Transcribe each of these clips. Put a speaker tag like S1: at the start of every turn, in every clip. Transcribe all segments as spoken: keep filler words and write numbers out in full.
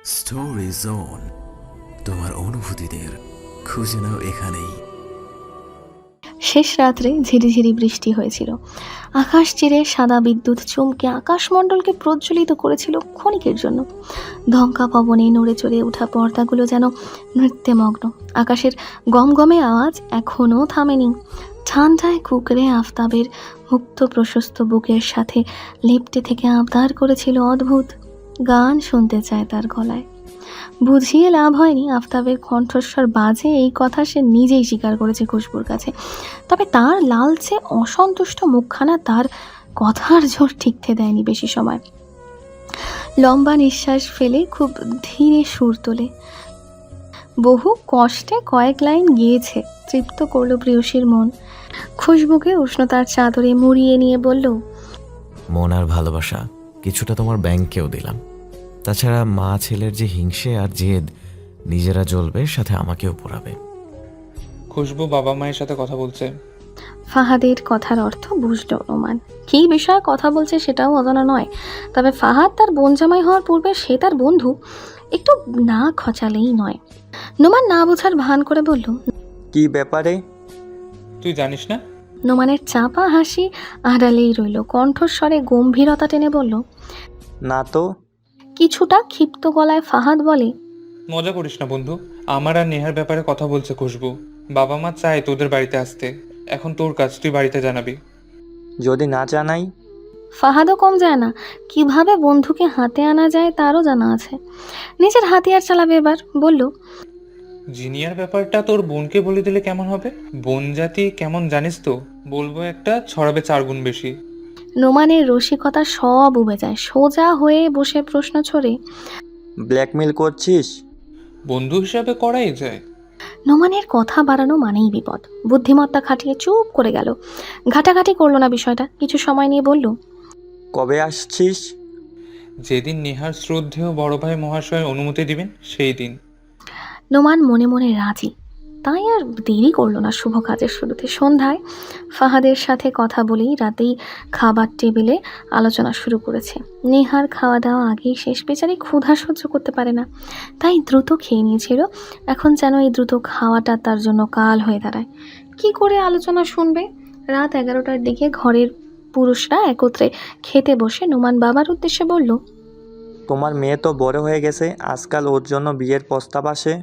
S1: Story zone, তোমার অনুভূতিদের খুঁজে নাও এখানেই।
S2: শেষ রাত্রে ঝিরিঝিরি বৃষ্টি হয়েছিল। আকাশ চিরে সাদা বিদ্যুৎ চমকে আকাশমণ্ডলকে প্রজ্বলিত করেছিল ক্ষণিকের জন্য। ধমকা পবনে নড়ে চড়ে ওঠা পর্দাগুলো যেন নৃত্যে মগ্ন। আকাশের গমগমে আওয়াজ এখনও থামেনি। ঠান্ডায় কুকরে আফতাবের মুক্ত প্রশস্ত বুকের সাথে লেপ্টে থেকে আবদার করেছিল অদ্ভুত গান শুনতে চায় তার গলায়। বুঝিয়ে লাভ হয়নি, আফতাবের কণ্ঠস্বর বাজে এই কথা সে নিজেই স্বীকার করেছে খুশবুর কাছে। তবে তার লালচে অসন্তুষ্ট মুখখানা তার কথার জোর ঠিকতে দেয়নি বেশি সময়। লম্বা নিঃশ্বাস ফেলে খুব ধীরে সুর তোলে, বহু কষ্টে কয়েক লাইন গিয়েছে, তৃপ্ত করলো প্রিয়সীর মন। খুশবুকে উষ্ণতার চাদরে মুড়িয়ে নিয়ে বলল,
S3: মন আর ভালোবাসা কিছুটা তোমার ব্যাংকেও দিলাম। তাছাড়া মা ছেলের যে হিংসে আর জেদ, নিজেরা জ্বলবে, সাথে আমাকেও পোড়াবে।
S4: খুশবু বাবা মায়ের সাথে কথা বলছে।
S2: ফাহাদের কথার অর্থ বুঝল নোমান। কী বিষয়ে কথা বলছে সেটাও অজানা নয়। তবে ফাহাদ তার বোন জামাই হওয়ার পূর্বে সে তার বন্ধু, একটু না খচালেই নয়। নোমান না বোঝার ভান করে বলল,
S5: কি ব্যাপারে?
S4: তুই জানিস না?
S2: নোমানের চাপা হাসি আড়ালেই রইল, কণ্ঠস্বরে গম্ভীরতা টেনে বলল,
S5: না তো।
S2: কিছুটা ক্ষিপ্ত গলায় ফাহাদ বলে,
S4: মজা করিস না বন্ধু, আমার আর নেহার ব্যাপারে কথা বলছে খুশবু। বাবা মা চায় তোদের বাড়িতে আসতে, এখন তোর কাজ, তুই বাড়িতে জানাবি।
S5: যদি না জানাই?
S2: ফাহাদও কম যায় না, কিভাবে বন্ধুকে হাতে আনা যায় তারও জানা আছে। নিজের হাতিয়ার চালাবে এবার। বলল,
S4: জিনিয়ার ব্যাপারটা তোর বোনকে বলে দিলে কেমন হবে? বোন জাতি কেমন জানিস তো, বলবো একটা, ছড়াবে চার গুণ বেশি।
S2: নোমানের রসিকতা সব উবে যায়, সোজা হয়ে বসে প্রশ্ন ছড়ে,
S5: ব্ল্যাকমেল করছিস?
S4: বন্ধু হিসাবে করাই যায়।
S2: নোমানের কথা বাড়ানো মানেই বিপদ। বুদ্ধিমত্তা খাটিয়ে চুপ করে গেল, ঘাটাঘাটি করলো না বিষয়টা। কিছু সময় নিয়ে বলল,
S5: কবে আসছিস?
S4: যেদিন নেহার শ্রদ্ধেয় বড় ভাই মহাশয় অনুমতি দিবেন সেই দিন।
S2: নোমান মনে মনে রাজি, তাই আর দেরি করলো না শুভ কাজের শুরুতে। সন্ধ্যায় ফাহাদের সাথে কথা বলেই রাতেই খাবার টেবিলে আলোচনা শুরু করেছে। নেহার খাওয়া দাওয়া আগেই শেষ, বেচারি ক্ষুধা সহ্য করতে পারে না, তাই দ্রুত খেয়ে নিয়েছিল। এখন যেন এই দ্রুত খাওয়াটা তার জন্য কাল হয়ে দাঁড়ায়। কি করে আলোচনা শুনবে? রাত এগারোটার দিকে ঘরের পুরুষরা একত্রে খেতে বসে নোমান বাবার উদ্দেশ্যে বলল,
S5: তোমার মেয়ে তো বড় হয়ে গেছে, আজকাল ওর জন্য বিয়ের প্রস্তাব আসে।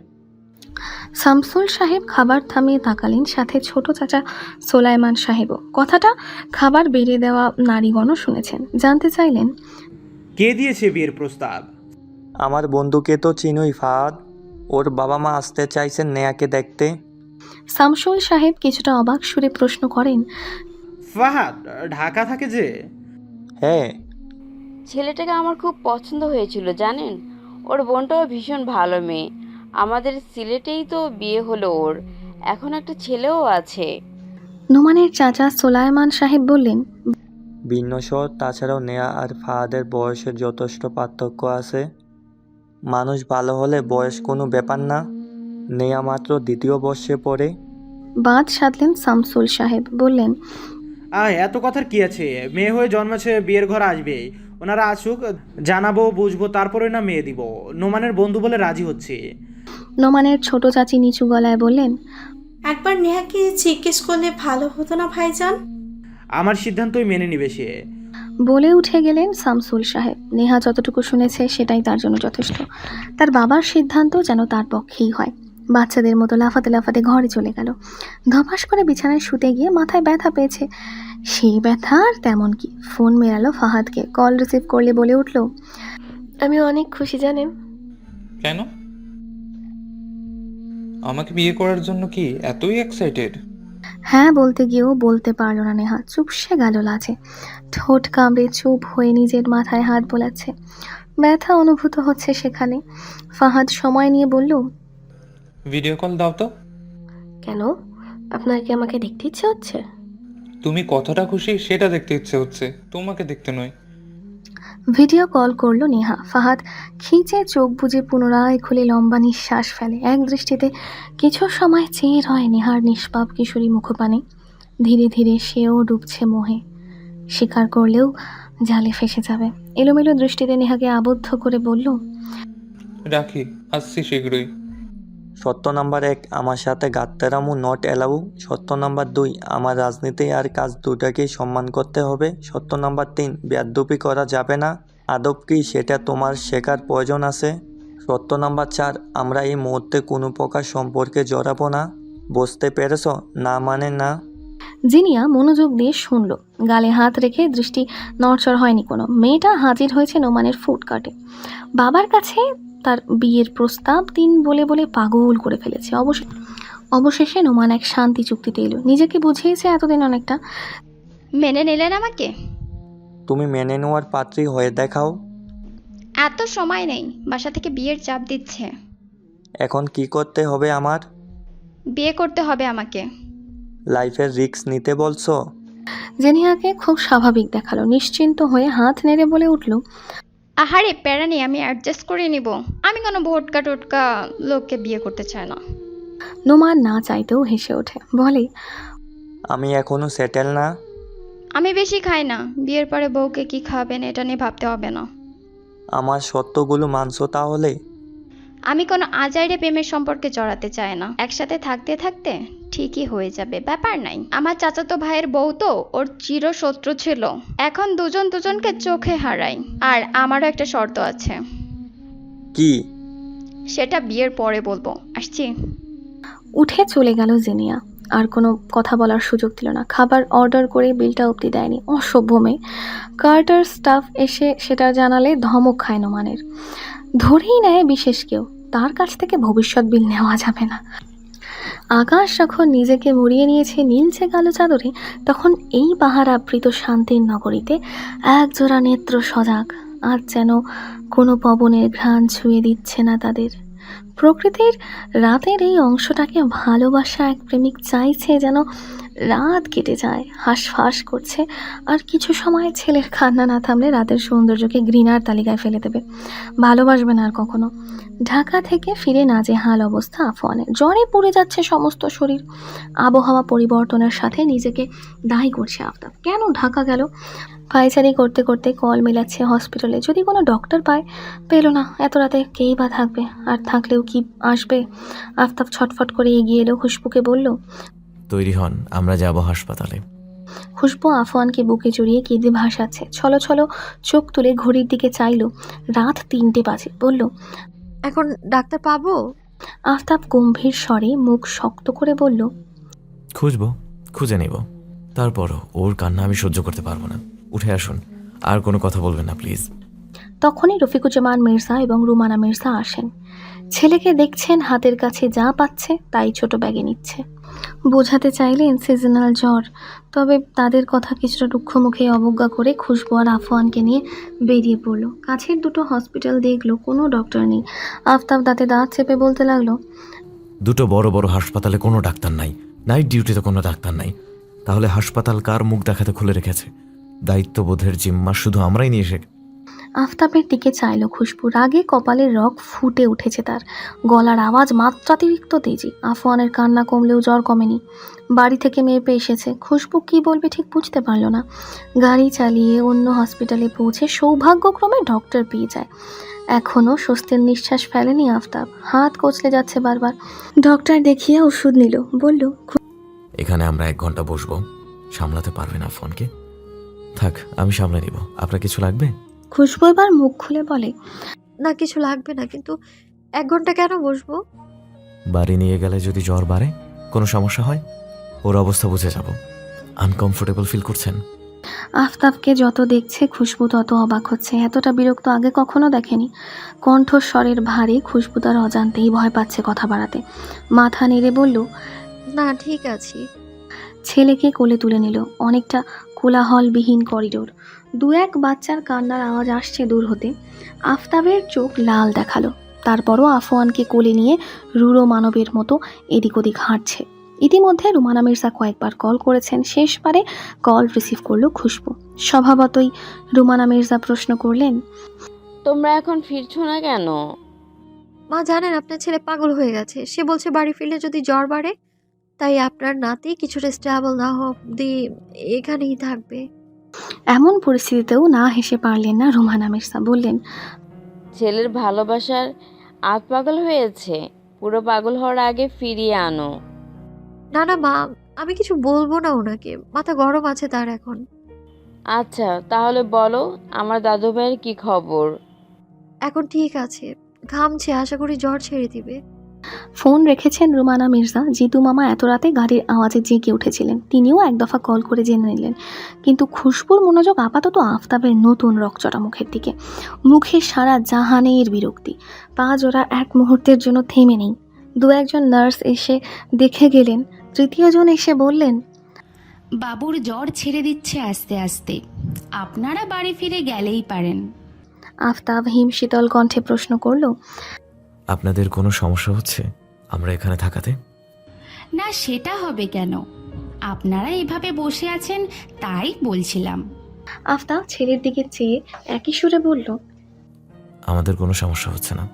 S2: শামসুল সাহেব খাবার থামিয়ে তাকালেন, সাথে ছোট চাচা সোলাইমান সাহেবও। কথাটা খাবার বেড়ে দেওয়া নারীগণও শুনেছেন। জানতে চাইলেন,
S6: কে দিয়েছে বিয়ের প্রস্তাব?
S5: আমার বন্ধুকে তো চিনুই ফাহাদ, ওর বাবা মা আসতে চাইছেন নেয়াকে দেখতে।
S2: শামসুল সাহেব কিছুটা অবাক সুরে প্রশ্ন করেন,
S6: ফাহাদ ঢাকা থাকে যে?
S5: হ্যাঁ।
S7: ছেলেটাকে আমার খুব পছন্দ হয়েছিল জানেন। ওর বোনটাও ভীষণ ভালো মেয়ে। আমাদের সিলেটেই তো বিয়ে হলো ওর, এখন একটা ছেলেও আছে।
S2: নোমানের চাচা সোলাইমান সাহেব বললেন,
S5: ভিন্নস্বর, তাছাড়াও নেয়া আর ফাহাদের বয়সের যথেষ্ট পার্থক্য আছে। মানুষ ভালো হলে বয়স কোনো ব্যাপার না। নেয়া মাত্র দ্বিতীয় বর্ষে পড়ে।
S2: বাদ সাধলেন শামসুল সাহেব, বললেন,
S6: আয়, এত কথার কি আছে? মেয়ে হয়ে জন্মেছে, বিয়ের ঘর আসবে। ওনারা আসুক, জানাবো, বুঝবো, তারপরে না মেয়ে দিব। নোমানের বন্ধু বলে রাজি হচ্ছে।
S2: নোমানের ছোট চাচি নিচু গলায় বললেন,
S8: একবার নেহাকে জিজ্ঞেস করলে ভালো হতো না ভাইজান?
S6: আমার সিদ্ধান্তই মেনে নিবে সে।
S2: বলে উঠে গেলেন শামসুল সাহেব। নেহা যতটুকু শুনেছে সেটাই তার জন্য যথেষ্ট। তার বাবার সিদ্ধান্ত যেন তার পক্ষেই হয়। বাচ্চাদের মতো লাফাতে লাফাতে ঘরে চলে গেল। ধপাস করে বিছানায় শুতে গিয়ে মাথায় ব্যথা পেয়েছে। সেই ব্যথা আর তেমন কি। ফোন মেরালো ফাহাদকে। কল রিসিভ করলে বলে উঠল, আমি অনেক খুশি জানেন।
S4: কেন? আমাকে বিয়ে করার জন্য কি এতই এক্সাইটেড?
S2: হ্যাঁ বলতে গিয়েও বলতে পারল না নেহা। চুপসে গেল লাজে। ঠোঁট কামড়ে চুপ হয়ে নিজের মাথায় হাত বোলাচ্ছে। ব্যথা অনুভূত হচ্ছে সেখানে। ফাহাদ সময় নিয়ে বলল,
S4: ভিডিও কল দাও তো।
S2: কেন? আপনার কি আমাকে দেখতে ইচ্ছে হচ্ছে?
S4: তুমি কতটা খুশি সেটা দেখতে ইচ্ছে হচ্ছে, তোমাকে দেখতে নয়।
S2: ভিডিও কল করলো নেহা। ফাহাদ খিঁচে চোখ বুজে পুনরায় খুলে লম্বা নিঃশ্বাস ফেলে। এক দৃষ্টিতে কিছু সময় চেয়ে রয় নেহার নিষ্পাপ কিশোরী মুখপানে। ধীরে ধীরে সেও ডুবছে মোহে। স্বীকার করলেও জালে ফেসে যাবে। এলোমেলো দৃষ্টিতে নেহাকে আবদ্ধ করে বলল,
S4: রাখি, আসছি শীঘ্রই।
S5: সত্য নাম্বার এক, আমার সাথে গাত্তারামু নট অ্যালাউ। সত্য নাম্বার দুই, আমার রাজনীতি আর কাজ দুটাকেই সম্মান করতে হবে। সত্য নাম্বার তিন, বেয়াদ্দপি করা যাবে না। আদব কি সেটা তোমার শেখার প্রয়োজন আছে। সত্য নাম্বার চার, আমরা এই মুহূর্তে কোনো প্রকার সম্পর্কে জড়াবো না। বুঝতে পেরেছ? না মানে না।
S2: জিনিয়া মনোযোগ দিয়ে শুনল, গালে হাত রেখে দৃষ্টি নড়চড় হয়নি কোনো। মেয়েটা হাজির হয়েছে নোমানের ফুটকাটে। বাবার কাছে তার বিয়ের প্রস্তাব দিন বলে বলে পাগল করে ফেলেছে। অবশ্য অবশেষে নোমান এক শান্তি চুক্তিতে এলো। নিজেকে বুঝিয়েছে এতদিন অনেকটা।
S9: মেনে নিলেন আমাকে?
S5: তুমি মেনে নেওয়ার পাত্রী হয়ে দেখাও।
S9: এত সময় নেই, বাসা থেকে বিয়ের চাপ দিচ্ছে।
S5: এখন কি করতে হবে আমার?
S9: বিয়ে করতে হবে আমাকে।
S5: লাইফের রিস্ক নিতে বলছো?
S2: জেনিয়াকে খুব স্বাভাবিক দেখালো, নিশ্চিন্ত হয়ে হাত নেড়ে বলে উঠল,
S9: আহারে প্যারা নেই, আমি অ্যাডজাস্ট করে নিব। আমি কোনো ভোটকা টোটকা লোককে বিয়ে করতে চাই না।
S2: নোমান না চাইতেও হেসে ওঠে, বলে,
S5: আমি এখনো সেটেল না।
S9: আমি বেশি খাই না, বিয়ের পরে বউকে কি খাবেন এটা নিয়ে ভাবতে হবে না।
S5: আমার সত্যগুলো মানছো তাহলে?
S9: আমি কোনো আজাইরে প্রেমের সম্পর্কে জড়াতে চাই না। একসাথে থাকতে থাকতে ঠিকই হয়ে যাবে, ব্যাপার নাই। আমার চাচাতো ভাইয়ের বউ তো ওর চিরশত্রু ছিল, এখন দুজন দুজনকে চোখে হারাই। আর আমারও একটা শর্ত আছে,
S5: কি?
S9: সেটা বিয়ের পরে বলবো। আসছি।
S2: উঠে চলে গেল জেনিয়া। আর কোনো কথা বলার সুযোগ দিল না। খাবার অর্ডার করে বিলটা অবধি দেয়নি, অসভ্য মেয়ে। কার্টার স্টাফ এসে সেটা জানালে ধমক খায় নোমানের। ধরেই নেয় বিশেষ কেউ, তার কাছ থেকে ভবিষ্যৎ বিল নেওয়া যাবে না। আকাশ যখন নিজেকে মুড়িয়ে নিয়েছে নীলচে কালো চাদরে, তখন এই পাহাড় আবৃত শান্তির নগরীতে একজোড়া নেত্র সজাগ। আজ যেন কোনো পবনের ঘ্রাণ ছুঁয়ে দিচ্ছে না তাদের। প্রকৃতির রাতের এই অংশটাকে ভালোবাসা এক প্রেমিক চাইছে যেন রাত কেটে যায়, হাঁসফাঁস করছে। আর কিছু সময় ছেলের কান্না না থামলে রাতের সৌন্দর্যকে ঘৃণার তালিকায় ফেলে দেবে, ভালোবাসবে না আর কখনো। ঢাকা থেকে ফিরে নাজেহাল অবস্থা আফওয়ানের। জ্বরে পুড়ে যাচ্ছে সমস্ত শরীর। আবহাওয়া পরিবর্তনের সাথে নিজেকে দায়ী করছে আফতাব। কেন ঢাকা গেল? পায়চারি করতে করতে কল মেলাচ্ছে হসপিটালে, যদি কোনো ডক্টর পায়। পেল না। এত রাতে কেই বা থাকবে, আর থাকলেও কি আসবে? আফতাব ছটফট করে এগিয়ে এলো, খুশবুকে বলল,
S3: তৈরি হন, আমরা যাব হাসপাতালে।
S2: খুশবু আফওয়ানকে বুকে জড়িয়ে কেঁদে ভাসাচ্ছে। ছলো ছলো চোখ তুলে ঘড়ির দিকে চাইল, রাত তিনটে বাজে। বলল,
S10: এখন ডাক্তার পাবো?
S2: আফতাব গম্ভীর স্বরে মুখ শক্ত করে বলল,
S3: খুঁজবো, খুঁজে নেব। তারপরও ওর কান্না আমি সহ্য করতে পারবো না। উঠে আসুন, আর কোনো কথা বলবেন না প্লিজ।
S2: তখনই রফিকুজ্জামান মির্জা এবং রুমানা মির্জা আসেন। ছেলেকে দেখছেন, হাতের কাছে যা পাচ্ছে তাই ছোট ব্যাগে নিচ্ছে। বোঝাতে চাইলেন সিজনাল জ্বর, তবে তাদের কথা কিছুটা দুঃখ মুখে অবজ্ঞা করে খুশবু আর আফওয়ানকে নিয়ে বেরিয়ে পড়ল। কাছের দুটো হসপিটাল দেখলো, কোনো ডক্টর নেই। আফতাব দাঁতে দাঁত চেপে বলতে লাগলো,
S3: দুটো বড় বড় হাসপাতালে কোনো ডাক্তার নাই, নাইট ডিউটিতে কোনো ডাক্তার নাই। তাহলে হাসপাতাল কার মুখ দেখাতে খুলে রেখেছে? দায়িত্ববোধের জিম্মা শুধু আমরাই নিয়ে এসে।
S2: আফতাবের দিকে চাইল খুশবু। রাগে কপালের রগ ফুটে উঠেছে তার, গলার আওয়াজ মাত্রাতিরিক্ত তেজি। আফওয়ানের কান্না কমলেও জ্বর কমেনি। বাড়ি থেকে মেপে এসেছে। খুশবু কি বলবে ঠিক বুঝতে পারল না। গাড়ি চালিয়ে অন্য হসপিটালে পৌঁছে সৌভাগ্যক্রমে ডক্টর পেয়ে যায়। এখনও স্বস্তির নিঃশ্বাস ফেলেনি আফতাব, হাত কচলে যাচ্ছে বারবার। ডক্টর দেখিয়ে ওষুধ নিল, বলল,
S3: এখানে আমরা এক ঘন্টা বসবো, সামলাতে পারবেন আফওয়ানকে? থাক, আমি সামলে নিব। আপনার কিছু লাগবে?
S2: খুশবু এবার মুখ খুলে বলে,
S10: না কিছু লাগবে না, কিন্তু এক ঘন্টা কেন বসবো?
S3: বাড়ি নিয়ে গেলে যদি জ্বর বাড়ে, কোনো সমস্যা হয়, ওর অবস্থা বুঝে যাব। আনকমফোর্টেবল ফিল করছেন?
S2: আফতাবকে যত দেখছে খুশবু তত অবাক হচ্ছে। এতটা বিরক্ত আগে কখনো দেখেনি। কণ্ঠস্বরের ভারে খুশবু তার অজান্তেই ভয় পাচ্ছে কথা বাড়াতে। মাথা নেড়ে বলল,
S10: না ঠিক আছি।
S2: ছেলেকে কোলে তুলে নিল। অনেকটা কোলাহলবিহীন করিডোর। দু এক বাচ্চার কান্নার আওয়াজ আসছে দূর হতে। আফতাবের চোখ লাল দেখালো। তারপরও আফওয়ানকে কোলে নিয়ে রুড়ো মানবের মতো এদিক ওদিক হাঁটছে। ইতিমধ্যে রুমানা মির্জা কয়েকবার কল করেছেন, শেষবারে কল রিসিভ করলো খুশবু। স্বভাবতই রুমানা মির্জা প্রশ্ন করলেন,
S7: তোমরা এখন ফিরছো না কেন?
S10: মা জানেন আপনার ছেলে পাগল হয়ে গেছে, সে বলছে বাড়ি ফিরলে যদি জ্বর বাড়ে, তাই আপনার নাতি কিছুটা স্টেবল না অবধি এখানেই থাকবে।
S2: এমন পরিস্থিতিতেও না হেসে পারলেন না রুমানা মির্জা। বললেন,
S7: ছেলের ভালোবাসার আধ পাগল হয়েছে, পুরো পাগল হওয়ার আগে ফিরিয়ে আনো।
S10: না না মা, আমি কিছু বলবো না ওনাকে, মাথা গরম আছে তার এখন।
S7: আচ্ছা তাহলে বলো, আমার দাদু ভাইয়ের কি খবর?
S10: এখন ঠিক আছে, ঘামছে, আশা করি জ্বর ছেড়ে দিবে।
S2: ফোন রেখেছেন রুমানা মির্জা। জিতু মামা এত রাতে গাড়ির আওয়াজে জেগে উঠেছিলেন, তিনিও এক দফা কল করে জেনে নিলেন। কিন্তু খুশবুর মনোযোগ আপাতত আফতাবের নতুন রকচটা মুখের দিকে। মুখে সারা জাহানের বিরক্তি। পা জোড়া এক মুহূর্তের জন্য থেমে নেই। দু একজন নার্স এসে দেখে গেলেন, তৃতীয়জন এসে বললেন,
S11: বাবুর জ্বর ছেড়ে দিচ্ছে আস্তে আস্তে, আপনারা বাড়ি ফিরে গেলেই পারেন।
S2: আফতাব হিম শীতল কণ্ঠে প্রশ্ন করল,
S3: আপনাদের কোনো সমস্যা হচ্ছে আমরা এখানে থাকাতে?
S11: না সেটা হবে কেন, আপনারা এভাবে বসে আছেন তাই বলছিলাম।
S2: আফতাব ছেলের দিকে চেয়ে একই সুরে বলল,
S3: আমাদের কোনো সমস্যা হচ্ছে না।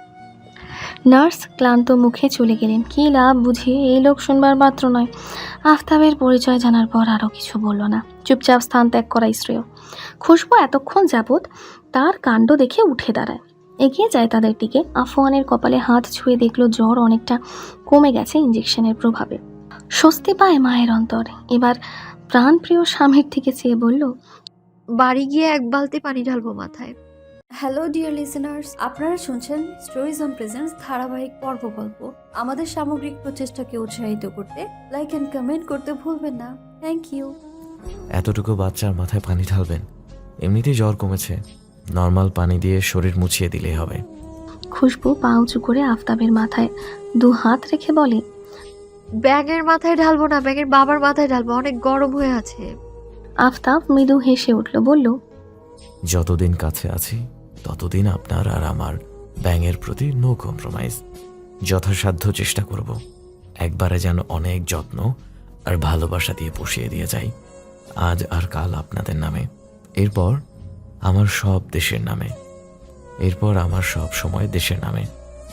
S2: নার্স ক্লান্ত মুখে চলে গেলেন। কি লাভ বুঝিয়ে, এই লোক শুনবার পাত্র নয়। আফতাবের পরিচয় জানার পর আরও কিছু বলল না, চুপচাপ স্থান ত্যাগ করাই শ্রেয়। খুশবু এতক্ষণ যাবৎ তার কাণ্ড দেখে উঠে দাঁড়ায়, এগিয়ে যায় তাদের দিকে। আফওয়ানের কপালে হাত ছুঁয়ে দেখলো জ্বর অনেকটা কমে গেছে ইঞ্জেকশনের প্রভাবে। স্বস্তি পায় মায়ের অন্তর। এবার প্রাণপ্রিয় স্বামীর দিকে চেয়ে বলল,
S10: বাড়ি গিয়ে এক বালতি পানি ঢালবো মাথায়।
S12: হ্যালো ডিয়ার লিসেনার্স, আপনারা শুনছেন স্টোরিজ অন প্রেজেন্স ধারাবাহিক পর্ব গল্প। আমাদের সামগ্রিক প্রচেষ্টাকে উৎসাহিত করতে লাইক অ্যান্ড কমেন্ট করতে ভুলবেন না। Thank you.
S3: এতটুকু বাচ্চার মাথায় পানি ঢালবেন? এমনিতেই জ্বর কমেছে, নর্মাল পানি দিয়ে শরীর মুছিয়ে দিলেই হবে।
S2: খুশবু পা উঁচু করে আফতাবের মাথায় দু হাত রেখে বলে,
S10: ব্যাঙের মাথায় ঢালবো না, ব্যাঙের বাবার মাথায় ঢালবো, অনেক গরম হয়ে আছে।
S2: আফতাব মৃদু হেসে উঠল, বলল,
S3: যতদিন কাছে আছি ততদিন আপনার আর আমার ব্যাঙের প্রতি নো কম্প্রোমাইজ। যথাসাধ্য চেষ্টা করব একবারে যেন অনেক যত্ন আর ভালোবাসা দিয়ে পুষিয়ে দিয়ে যাই, আজ আর কাল আপনাদের নামে, এরপর আমার সব দেশের নামে, এরপর আমার সব সময় দেশের নামে।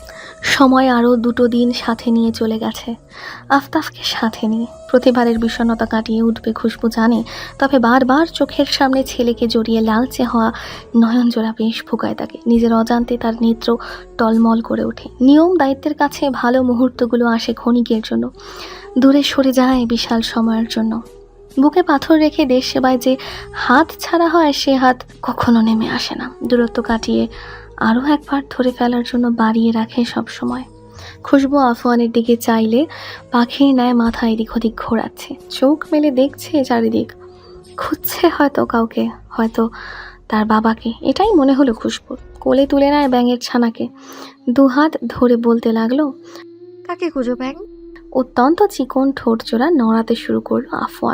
S2: সময় আরও দুটো দিন সাথে নিয়ে চলে গেছে আফতাবকে সাথে নিয়ে। প্রতিবারের বিষণ্ণতা কাটিয়ে উঠবে খুশবু জানে, তবে বারবার চোখের সামনে ছেলেকে জড়িয়ে লালচে হওয়া নয়নজোড়া বেশ ভোগায় তাকে। নিজের অজান্তে তার নেত্র টলমল করে ওঠে। নিয়ম দায়িত্বের কাছে ভালো মুহূর্তগুলো আসে ক্ষণিকের জন্য, দূরে সরে যায় বিশাল সময়ের জন্য। বুকে পাথর রেখে দেশ সেবায় যে হাত ছাড়া হয়, সে হাত কখনো নেমে আসে না। দূরত্ব কাটিয়ে আরও একবার ধরে ফেলার জন্য বাড়িয়ে রাখে সব সময়। খুশবু আফওয়ানের দিকে চাইলে পাখির ন্যায় মাথা এদিক ওদিক ঘোরাচ্ছে, চোখ মেলে দেখছে চারিদিক, খুঁজছে হয়তো কাউকে, হয়তো তার বাবাকে। এটাই মনে হলো খুশবুর। কোলে তুলে নেয় ব্যাঙের ছানাকে, দুহাত ধরে বলতে লাগলো,
S10: কাকে খুঁজো ব্যাঙ?
S2: অত্যন্ত চিকন ঠোঁট জোড়া নড়াতে শুরু করলো আফওয়ান।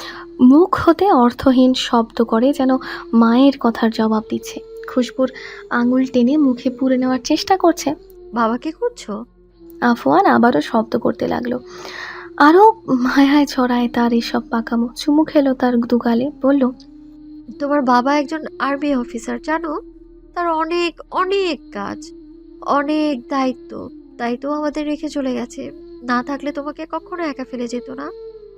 S2: মুখ হতে অর্থহীন শব্দ করে, যেন মায়ের কথার জবাব দিচ্ছে। খুশবুর আঙুল টেনে মুখে পুরে নেওয়ার চেষ্টা করছে।
S10: বাবাকে খুঁজছো?
S2: আফওয়ান আবারও শব্দ করতে লাগলো। আরও মায়ায় ছড়ায় তার এসব পাকামো। চুমু খেলো তার দুগালে, বলল,
S10: তোমার বাবা একজন আর্মি অফিসার, জানো? তার অনেক অনেক কাজ, অনেক দায়িত্ব, তাই তো আমাদের রেখে চলে গেছে। না থাকলে তোমাকে কখনো একা ফেলে যেত না।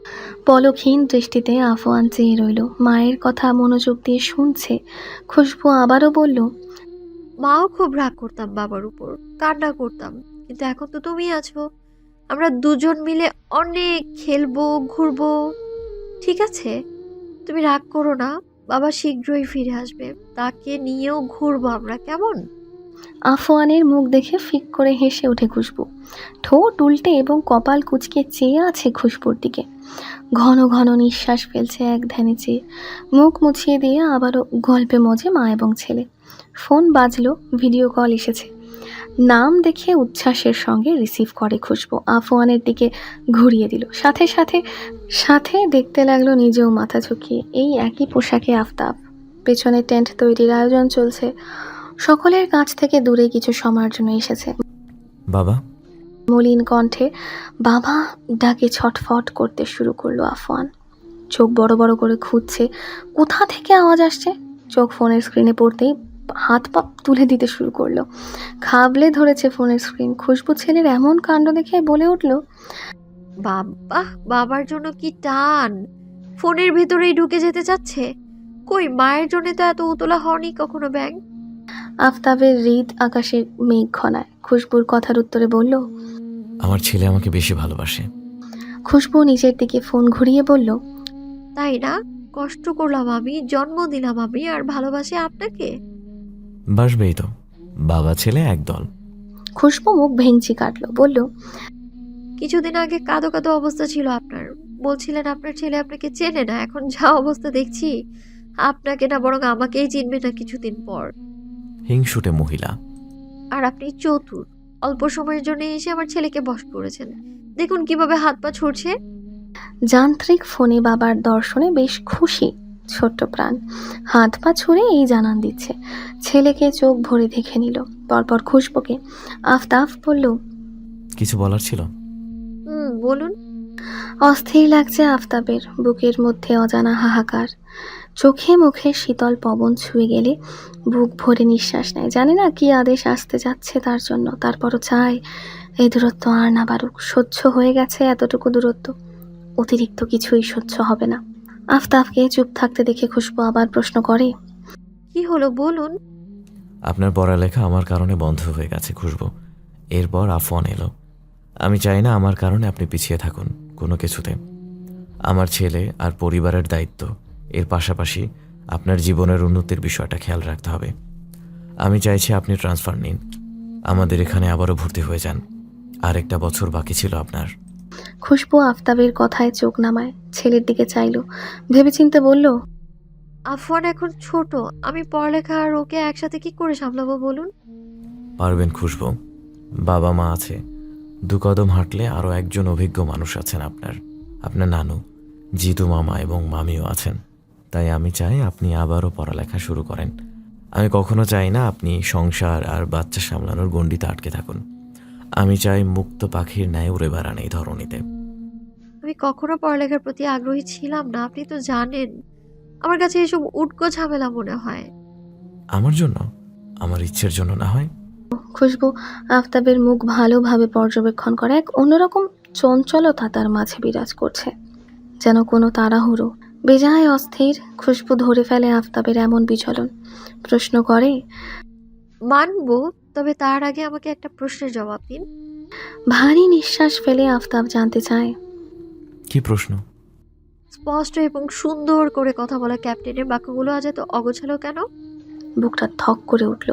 S2: পলকহীন দৃষ্টিতে আফওয়ান চেয়ে রইল, মায়ের কথা মনোযোগ দিয়ে শুনছে। খুশবু আবারও বলল,
S10: মাও খুব রাগ করতাম বাবার উপর, কান্না করতাম, কিন্তু এখন তো তুমি আছো, আমরা দুজন মিলে অনেক খেলবো, ঘুরবো। ঠিক আছে, তুমি রাগ করো না, বাবা শীঘ্রই ফিরে আসবে, তাকে নিয়েও ঘুরবো আমরা, কেমন?
S2: আফওয়ানের মুখ দেখে ফিক করে হেসে ওঠে খুশবু। ঠোঁট উল্টে এবং কপাল কুঁচকে চেয়ে আছে খুশবুর দিকে। ঘন ঘন নিঃশ্বাস ফেলছে এক ধ্যানে চেয়ে। মুখ মুছিয়ে দিয়ে আবারও গল্পে মজে মা এবং ছেলে। ফোন বাজলো, ভিডিও কল এসেছে। নাম দেখে উচ্ছ্বাসের সঙ্গে রিসিভ করে খুশবু। আফওয়ানের দিকে ঘুরিয়ে দিল, সাথে সাথে সাথে দেখতে লাগলো নিজেও মাথা ঝুঁকিয়ে। এই একই পোশাকে আফতাব। পেছনে টেন্ট তৈরির আয়োজন চলছে। সকলের কাছ থেকে দূরে কিছু সময়ের জন্য এসেছে।
S3: বাবা,
S2: মলিন কণ্ঠে বাবা ডাকে ছটফট করতে শুরু করলো আফওয়ান। চোখ বড় বড় করে খুঁজছে কোথা থেকে আওয়াজ আসছে। চোখ ফোনের স্ক্রিনে পড়তেই হাত পা তুলে দিতে শুরু করলো। খাবলে ধরেছে ফোনের স্ক্রিন। খুশবু ছেলের এমন কাণ্ড দেখে বলে উঠল,
S10: বাবা, বাবার জন্য কি টান, ফোনের ভেতরেই ঢুকে যেতে চাচ্ছে। কই, মায়ের জন্য তো এত উতলা হয়নি কখনো ব্যাঙ।
S2: আফতাবের হৃদ আকাশের মেঘ ঘনায়। খুশবুর কথার উত্তরে বলল,
S3: আমার ছেলে আমাকে বেশি ভালোবাসে।
S2: খুশবু নিজের দিকে ফোন ঘুরিয়ে বলল,
S10: তাই না? কষ্ট করলাম আমি, জন্ম দিলাম আমি, আর ভালোবাসি আপনাকে।
S3: বাসবেই তো, বাবা ছেলে একদল।
S2: খুশবু মুখ ভেঙচি কাটলো, বলল,
S10: কিছুদিন আগে কাঁদো কাঁদো অবস্থা ছিল আপনার, বলছিলেন আপনার ছেলে আপনাকে চেনে না। এখন যা অবস্থা দেখছি, আপনাকে না বরং আমাকেই চিনবে না কিছুদিন পর।
S3: হিংসুটে মহিলা।
S10: আর আপনি চতুর, অল্প সময়ের জন্য এসে আমার ছেলেকে বশ করেছেন। দেখুন কিভাবে হাত পা ছুটছে।
S2: যান্ত্রিক ফোনে বাবার দর্শনে বেশ খুশি ছোট্ট প্রাণ, হাত পা ছুঁড়ে এই জানান দিচ্ছে। ছেলেকে চোখ ভরে দেখে নিল, পরপর খুশবুকে আফতাব বলল,
S3: কিছু বলার ছিল?
S10: হুম, বলুন।
S2: অস্থির লাগছে আফতাবের, বুকের মধ্যে অজানা হাহাকার, চোখে মুখে শীতল পবন ছুঁয়ে গেলে বুক ভরে নিঃশ্বাস নেয়। জানে না কি আদেশ আসতে যাচ্ছে তার জন্য, তারপরও চায় এই দূরত্ব আর না বাড়ুক। সহ্য হয়ে গেছে এতটুকু দূরত্ব, অতিরিক্ত কিছুই সহ্য হবে না। আফতাবকে চুপ থাকতে দেখে খুশবু আবার প্রশ্ন করে,
S10: কি হলো বলুন।
S3: আপনার পড়ালেখা আমার কারণে বন্ধ হয়ে গেছে খুশবু। এরপর আফন এলো। আমি চাই না আমার কারণে আপনি পিছিয়ে থাকুন কোনো কিছুতে। আমার ছেলে আর পরিবারের দায়িত্ব, এর পাশাপাশি আপনার জীবনের উন্নতির বিষয়টা খেয়াল রাখতে হবে। আমি চাইছি আপনি ট্রান্সফার নিন, আমাদের এখানে আবারও ভর্তি হয়ে যান। আরেকটা বছর বাকি ছিল আপনার।
S2: খুশবু আফতাবের কথায় চোখ নামায়, ছেলের দিকে চাইলো, ভেবেচিন্তে বলল,
S10: আফওয়ান এখন ছোট, আমি পড়ালেখা আর ওকে একসাথে কি করে সামলাবো বলুন।
S3: পারবেন খুশবু, বাবা মা আছে। দু কদম হাঁটলে আরও একজন অভিজ্ঞ মানুষ আছেন আপনার, আপনার নানু, জিতু মামা এবং মামিও আছেন। তাই আমি চাই আপনি আবারও পড়ালেখা শুরু করেন। আমি কখনো চাই না আপনি সংসার আর বাচ্চা সামলানোর গণ্ডিতে আটকে থাকুন। আমি চাই মুক্ত পাখির ন্যায় উড়ে বেড়ান এই ধরনীতে।
S10: আমি কখনো পড়ালেখার প্রতি আগ্রহী ছিলাম না, আপনি তো জানেন। আমার কাছে এসব উটকো ঝামেলা মনে হয়।
S3: আমার জন্য, আমার ইচ্ছের জন্য না হয়।
S2: খুশবু আফতাবের মুখ ভালোভাবে পর্যবেক্ষণ করে, এক অন্যরকম চঞ্চলতা তার মাঝে বিরাজ করছে, যেন কোনো তাড়াহুড়ো। বেজায় অস্থির খুশবু ধরে ফেলে আফতাবের এমন বিচলন, প্রশ্ন করে,
S10: মানবো, তবে তার আগে আমাকে একটা প্রশ্নের জবাব দিন।
S2: ভারী নিঃশ্বাস ফেলে আফতাব জানতে চায়,
S3: কি প্রশ্ন?
S10: স্পষ্ট এবং সুন্দর করে কথা বলা ক্যাপ্টেনের বাক্যগুলো আজ এত অগোছালো কেন?
S2: বুকটা থক করে উঠল,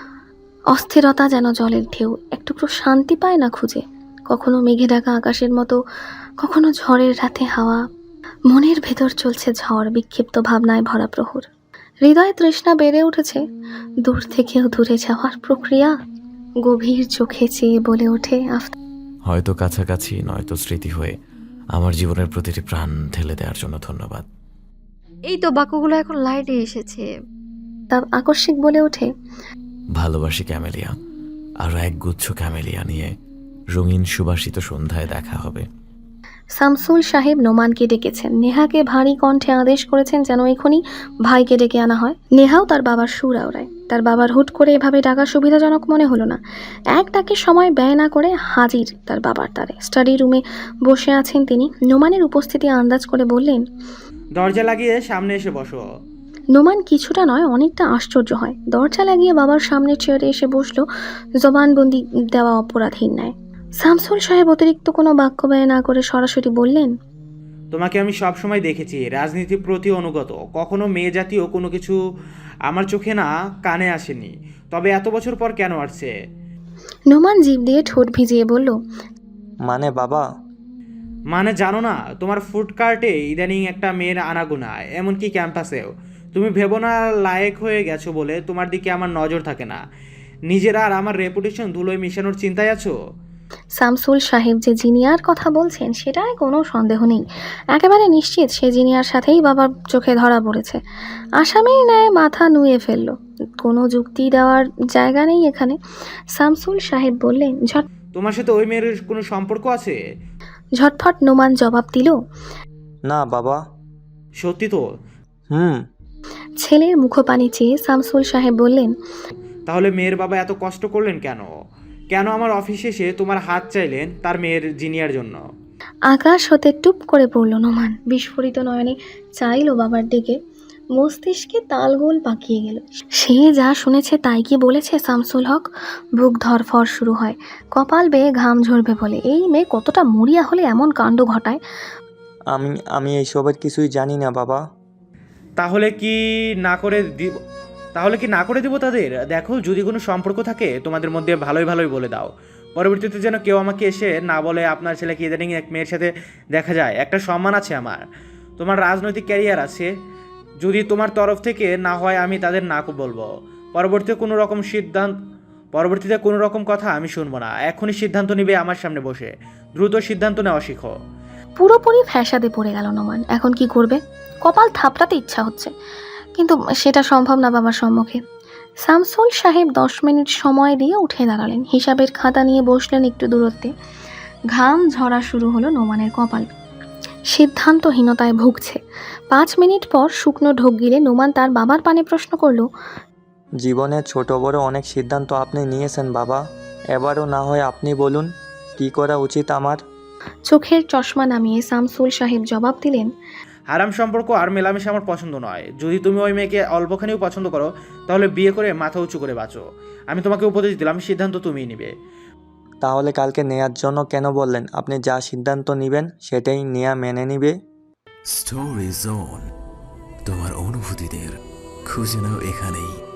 S2: অস্থিরতা যেন জলের ঢেউ, একটুকরো শান্তি পায় না খুঁজে। কখনো মেঘে ঢাকা আকাশের মতো, কখনো ঝড়ের রাতে হাওয়া। মনের ভেতর চলছে ঝড়, বিক্ষিপ্ত ভাবনায় ভরা প্রহর। হৃদয় তৃষ্ণা বেড়ে উঠেছে, দূর থেকেও দূরে যাওয়ার প্রক্রিয়া। গভীর চোখে চেয়ে বলে ওঠে আফতাব,
S3: হয়তো কাছাকাছি, নয়তো স্মৃতি হয়ে আমার জীবনের প্রতিটি প্রাণ ঢেলে দেওয়ার জন্য ধন্যবাদ।
S10: এই তো বাক্যগুলো এখন লাইনে এসেছে।
S2: তার আকস্মিক বলে ওঠে,
S3: ভালোবাসি ক্যামেলিয়া, আরও এক গুচ্ছ ক্যামেলিয়া নিয়ে রঙিন সুবাসিত সন্ধ্যায় দেখা হবে।
S2: শামসুল সাহেব নোমানকে ডেকেছেন, নেহাকে ভারী কণ্ঠে আদেশ করেছেন যেন এখনই ভাইকে ডেকে আনা হয়। নেহাও তার বাবার সুর আওড়ায়। তার বাবার হুট করে এভাবে ডাকা সুবিধাজনক মনে হলো না। এক ডাকে সময় ব্যয় না করে হাজির তার বাবার দ্বারে। স্টাডি রুমে বসে আছেন তিনি। নোমানের উপস্থিতি আন্দাজ করে বললেন,
S6: দরজা লাগিয়ে সামনে এসে বসো।
S2: নোমান কিছুটা নয় অনেকটা আশ্চর্য হয়। দরজা লাগিয়ে বাবার সামনে চেয়ারে এসে বসলো, জবানবন্দি দেওয়া অপরাধীর ন্যায়। শামসুল সাহেব অতিরিক্ত কোনো বাক্য ব্যয় না করে সরাসরি বললেন,
S6: তোমাকে আমি সব সময় দেখেছি রাজনীতির প্রতি অনুগত, কখনো মেয়ে জাতীয় কোনো কিছু আমার চোখে না কানে আসেনি, তবে এত বছর পর কেন আসছে?
S2: নোমান জিভ দিয়ে ঠোঁট ভিজিয়ে বলল,
S5: মানে বাবা,
S6: মানে জানো না, তোমার ফুড কার্টে ইদানিং একটা মেয়ের আনাগোনা, এমনকি ক্যাম্পাসেও। তুমি ভেবো না লায়েক হয়ে গেছো বলে তোমার দিকে আমার নজর থাকে না। নিজেরা আর আমার রেপুটেশন ধুলোয় মিশানোর চিন্তায় আছো।
S2: শামসুল সাহেব যে জিনিয়ার কথা বলছেন সেটায় কোনো সন্দেহ নেই। একেবারে নিশ্চিত সে জিনিয়ার সাথেই বাবার চোখে ধরা পড়েছে। আসামির ন্যায় মাথা নুয়ে ফেললো, কোনো যুক্তি দেওয়ার জায়গা নেই এখানে। শামসুল সাহেব বললেন, ঝট
S6: তোমার সাথে ওই মেয়ের কোনো সম্পর্ক আছে?
S2: ঝটফট নোমান জবাব দিল,
S5: না বাবা।
S6: সত্যি তো?
S5: হুম।
S2: ছেলের মুখপানে চেয়ে শামসুল সাহেব বললেন,
S6: তাহলে মেয়ের বাবা এত কষ্ট করলেন কেন? কেন আমার অফিসে এসে তোমার হাত চাইলেন তার মেয়ের জিনিয়ার জন্য?
S2: আকাশ হতে টুপ করে পড়ল নোমান। বিস্ফোরিত নয়নে চাইল বাবার দিকে, মস্তিষ্কে তালগোল পাকিয়ে গেল। সে যা শুনেছে তাই কি বলেছে শামসুল হক? বুক ধরফর শুরু হয়, কপাল বেয়ে ঘাম ঝরবে বলে। এই মেয়ে কতটা মরিয়া হলে এমন কাণ্ড ঘটায়?
S5: আমি আমি এইসবের কিছুই জানি না বাবা।
S6: তাহলে কি না করে দিব তাহলে কি না করে দিব তাদের? দেখো, যদি কোনো সম্পর্ক থাকে তোমাদের মধ্যে ভালোই ভালোই বলে দাও। পরবর্তীতে যেন কেউ আমাকে এসে না বলে আপনার ছেলেকে ইদানিং এক মেয়ের সাথে দেখা যায়। একটা সম্মান আছে আমার, তোমার রাজনৈতিক ক্যারিয়ার আছে। যদি তোমার তরফ থেকে না হয় আমি তাদের না বলবো। পরবর্তীতে কোনো রকম সিদ্ধান্ত পরবর্তীতে কোনো রকম কথা আমি শুনবো না। এখনই সিদ্ধান্ত নিবে আমার সামনে বসে। দ্রুত সিদ্ধান্ত নেওয়া শিখো।
S2: পুরোপুরি ফ্যাসাদে পড়ে গেল নোমান। এখন কি করবে? কপাল থাপড়াতে ইচ্ছা হচ্ছে, কিন্তু সেটা সম্ভব না বাবার সম্মুখে। শামসুল সাহেব দশ মিনিট সময় দিয়ে উঠে দাঁড়ালেন, হিসাবের খাতা নিয়ে বসলেন একটু দূরত্বে। ঘাম ঝরা শুরু হলো নোমানের কপাল, সিদ্ধান্তহীনতায় ভুগছে। পাঁচ মিনিট পর শুকনো ঢোক গিলে নোমান তার বাবার পানে প্রশ্ন করলো,
S5: জীবনের ছোট বড় অনেক সিদ্ধান্ত আপনি নিয়েছেন বাবা, এবারও না হয় আপনি বলুন কি করা উচিত আমার।
S2: চোখের চশমা নামিয়ে শামসুল সাহেব জবাব দিলেন,
S6: হারাম সম্পর্ক আর মেলামেশা আমার পছন্দ নয়। যদি তুমি ওই মেয়েকে অল্পখানিও পছন্দ করো তাহলে বিয়ে করে মাথা উঁচু করে বাঁচো। আমি তোমাকে উপদেশ দিলাম, সিদ্ধান্ত তুমিই নিবে।
S5: তাহলে কালকে নেয়ার জন্য কেন বললেন? আপনি যা সিদ্ধান্ত নেবেন সেটাই নেয়া মেনে নিবে।
S1: স্টোরি জোন, তোমার অনুভূতিদের খুঁজে নাও এখানেই।